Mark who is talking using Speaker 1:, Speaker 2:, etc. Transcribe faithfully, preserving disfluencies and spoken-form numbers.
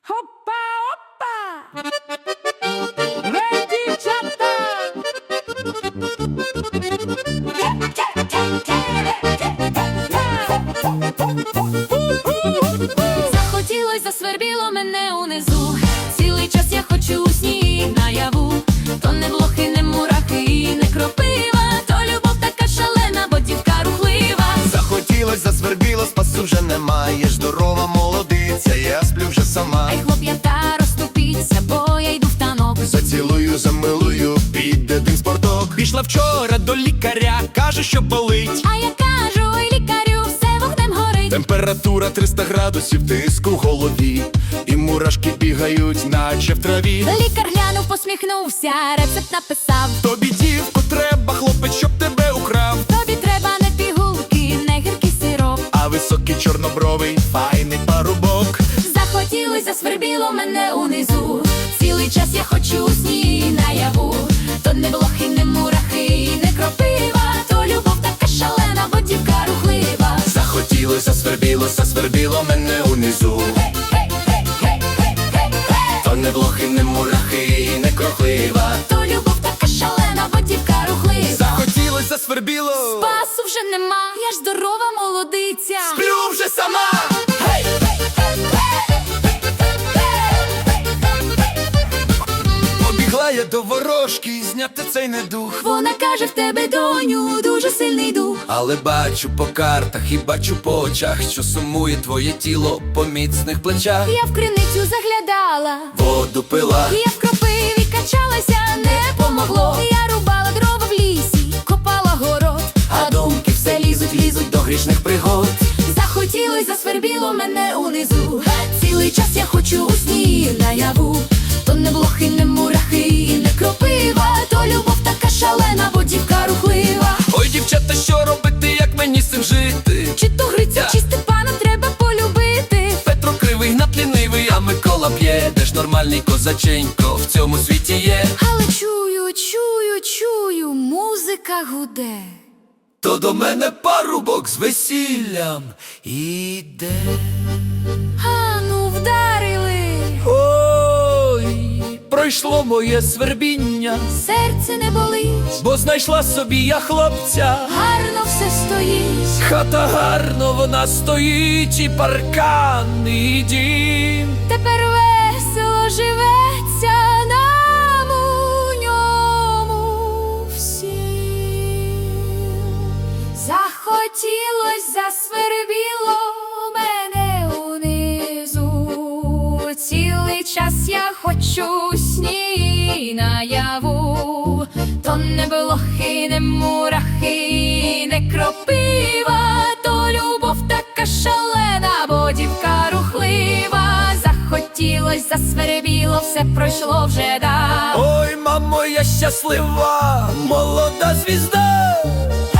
Speaker 1: Опа, опа! Ей, дівчата!
Speaker 2: Захотілось, засвербіло мене унизу. Цілий час я хочу у сні наяву. То не блохи, не мурахи і не кропива, то любов така шалена, бо дівка рухлива.
Speaker 3: Захотілось, засвербіло, спасу вже немає. Здорова молодиця, я сплю вже сама.
Speaker 2: Ай, хлоп'ята, розступіться, бо я йду в танок.
Speaker 3: Зацілую, замилую, піде дим спорток.
Speaker 4: Пішла вчора до лікаря, каже, що болить.
Speaker 2: А я кажу, ой, лікарю, все вогнем горить.
Speaker 3: Температура триста градусів, тиск у голові, і мурашки бігають, наче в траві.
Speaker 2: Лікар глянув, посміхнувся, рецепт написав.
Speaker 4: Тобі, дівко, треба, хлопець, щоб тебе украв.
Speaker 2: Тобі треба не пігулки, не гіркий сироп,
Speaker 3: А високий чорнобровий, файний парубок.
Speaker 2: захотілось, засвербіло мене унизу. Цілий час я хочу у сні наяву. То не блохи, не мурахи і не кропива, то любов така шалена, бо дівка рухлива.
Speaker 3: Захотілось, засвербіло, засвербіло мене унизу. То не блохи, не мурахи і не крохлива.
Speaker 2: То любов така шалена, бо дівка рухлива.
Speaker 4: Захотілось, засвербіло.
Speaker 2: Спасу вже нема, я ж здорова молодиця.
Speaker 3: Сплю вже сама. Гей!
Speaker 4: Побігла я до ворожки, зняти цей недух.
Speaker 2: Вона каже, в тебе, доню, дуже сильний дух.
Speaker 4: Але бачу по картах і бачу по очах, що сумує твоє тіло по міцних плечах.
Speaker 2: Я в криницю заглядала,
Speaker 3: Воду пила,
Speaker 2: я в кропиві качалася, не помогло. Я рубала дрова в лісі, копала город,
Speaker 3: а думки все лізуть, лізуть до грішних пригод.
Speaker 2: захотілось, засвербіло мене унизу. Цілий час я хочу у сні наяву. То не блохи, не мурахи і не кропива, то любов така шалена, бо дівка рухлива.
Speaker 4: Ой, дівчата, що робити, як мені з цим жити?
Speaker 2: Чи то Гриця, чи Степана треба полюбити.
Speaker 4: Петро кривий, гнат лінивий, а Микола п'є. Де ж нормальний козаченько в цьому світі є?
Speaker 2: Але чую, чую, чую, музика гуде.
Speaker 4: То до мене парубок з весіллям іде.
Speaker 2: А ну вдарили,
Speaker 4: Ой, пройшло моє свербіння,
Speaker 2: серце не болить,
Speaker 4: бо знайшла собі я хлопця.
Speaker 2: гарно все стоїть.
Speaker 4: Хата гарно вона стоїть, і паркан, і дім.
Speaker 2: Тепер весело живеться нам у ньому всім. Захотілось, засвербіло мене унизу. Цілий час я хочу сні наяву. То не блохи, не мурахи, не кропива, то любов така шалена, бо дівка рухлива. Захотілось, засвербіло, все пройшло вже да.
Speaker 4: Ой, мамо, я щаслива, молода звізда.